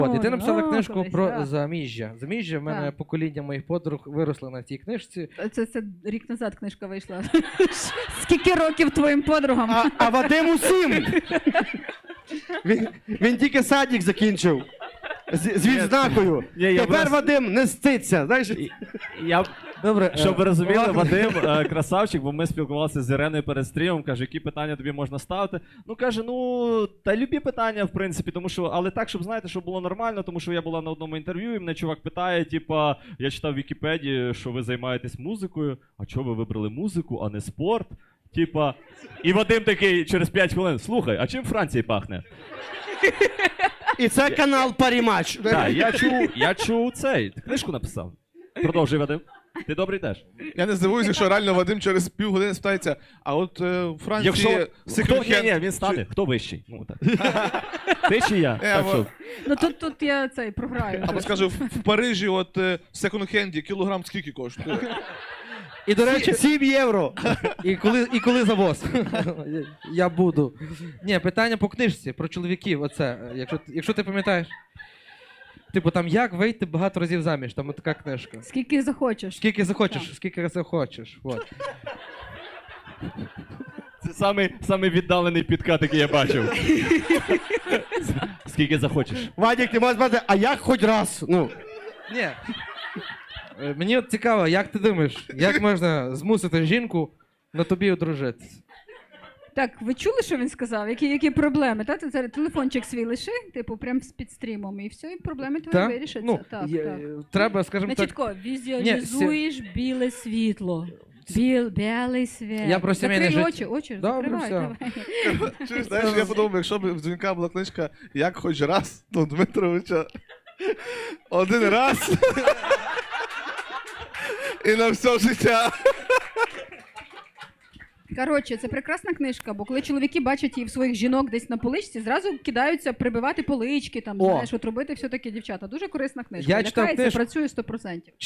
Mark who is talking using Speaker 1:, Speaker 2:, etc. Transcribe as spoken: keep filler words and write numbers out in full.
Speaker 1: От, і ти написала
Speaker 2: О,
Speaker 1: книжку
Speaker 2: колись,
Speaker 1: про
Speaker 2: так.
Speaker 1: заміжжя. Заміжжя, в мене
Speaker 2: Так.
Speaker 1: покоління моїх подруг виросло на цій книжці.
Speaker 2: Це, це рік назад книжка вийшла. Скільки років твоїм подругам?
Speaker 3: А, а Вадим усім! Він, він тільки садик закінчив. З, з відзнакою.
Speaker 4: Ні, я
Speaker 3: Тепер
Speaker 4: просто-
Speaker 3: Вадим не ститься. Знаєш?
Speaker 4: Я,
Speaker 1: Добре,
Speaker 4: щоб ви
Speaker 1: е,
Speaker 4: розуміли,
Speaker 1: ладно.
Speaker 4: Вадим е, красавчик, бо ми спілкувалися з Іреною перед стрімом, каже, які питання тобі можна ставити. Ну, каже, ну, та любі питання, в принципі, тому що, але так, щоб, знаєте, щоб було нормально, тому що я була на одному інтерв'ю, і мене чувак питає, типа, я читав в Вікіпедії, що ви займаєтесь музикою, а чого ви вибрали музику, а не спорт? Типа, і Вадим такий через п'ять хвилин, слухай, а чим Франції пахне?
Speaker 3: І це канал Парімач.
Speaker 4: Так, я чув, я чув цей, ти книжку написав. Продовжуй, Вадим. Ти добре йдеш.
Speaker 5: Я не здивуюся, якщо реально Вадим через півгодини спитається, а от е, у Франції
Speaker 4: Якщо хто, ні, ні,
Speaker 5: секонд-хенд
Speaker 4: він стане, хто вищий? Ну, так. Ти чи я?
Speaker 5: Е,
Speaker 4: Так
Speaker 5: во-
Speaker 4: що,
Speaker 2: Ну тут, тут я цей програю.
Speaker 5: Або скажу, в, в Парижі от е, в секонд-хенді кілограм скільки коштує?
Speaker 3: І, до речі, сім євро.
Speaker 1: І коли, і коли завоз? Я буду. Ні, питання по книжці, про чоловіків, оце, е, якщо, ти- якщо ти пам'ятаєш. Типу, там як вийти багато разів заміж, там така книжка.
Speaker 2: Скільки захочеш.
Speaker 1: Скільки захочеш,
Speaker 2: Так.
Speaker 1: скільки захочеш. От.
Speaker 4: це самий, самий віддалений підкат, який я бачив. Скільки захочеш.
Speaker 3: Вадік, ти можеш сказати, а як хоч раз? Ну,
Speaker 1: Ні. Е, Мені от цікаво, як ти думаєш, як можна змусити жінку на тобі одружитися?
Speaker 2: Так, ви чули, що він сказав? Які, які проблеми? Та? Ти зараз телефончик свій лиши, типу, прям з під стрімом, і все, і проблеми твої
Speaker 1: Та?
Speaker 2: вирішаться.
Speaker 1: Ну,
Speaker 2: так,
Speaker 1: є-
Speaker 2: так.
Speaker 1: Треба, скажімо
Speaker 2: Значить,
Speaker 1: так.
Speaker 2: ко, візуалізуєш біле світло. Біл, білий світ.
Speaker 1: Я про сімейне
Speaker 2: Закрий
Speaker 1: життя.
Speaker 2: очі, очі,
Speaker 1: Добре,
Speaker 2: закривай,
Speaker 1: все.
Speaker 2: давай.
Speaker 5: Чи знаєш, я подумав, якщо б в дзвінка була книжка «Як хоч раз», то Дмитровича один раз і на все життя.
Speaker 2: Коротше, це прекрасна книжка, бо коли чоловіки бачать її в своїх жінок десь на поличці, зразу кидаються прибивати полички, там,
Speaker 1: О.
Speaker 2: знаєш, от робити все таке дівчата. Дуже корисна книжка.
Speaker 1: Я читав
Speaker 2: Лякається,
Speaker 1: книжку.
Speaker 2: працює сто відсотків.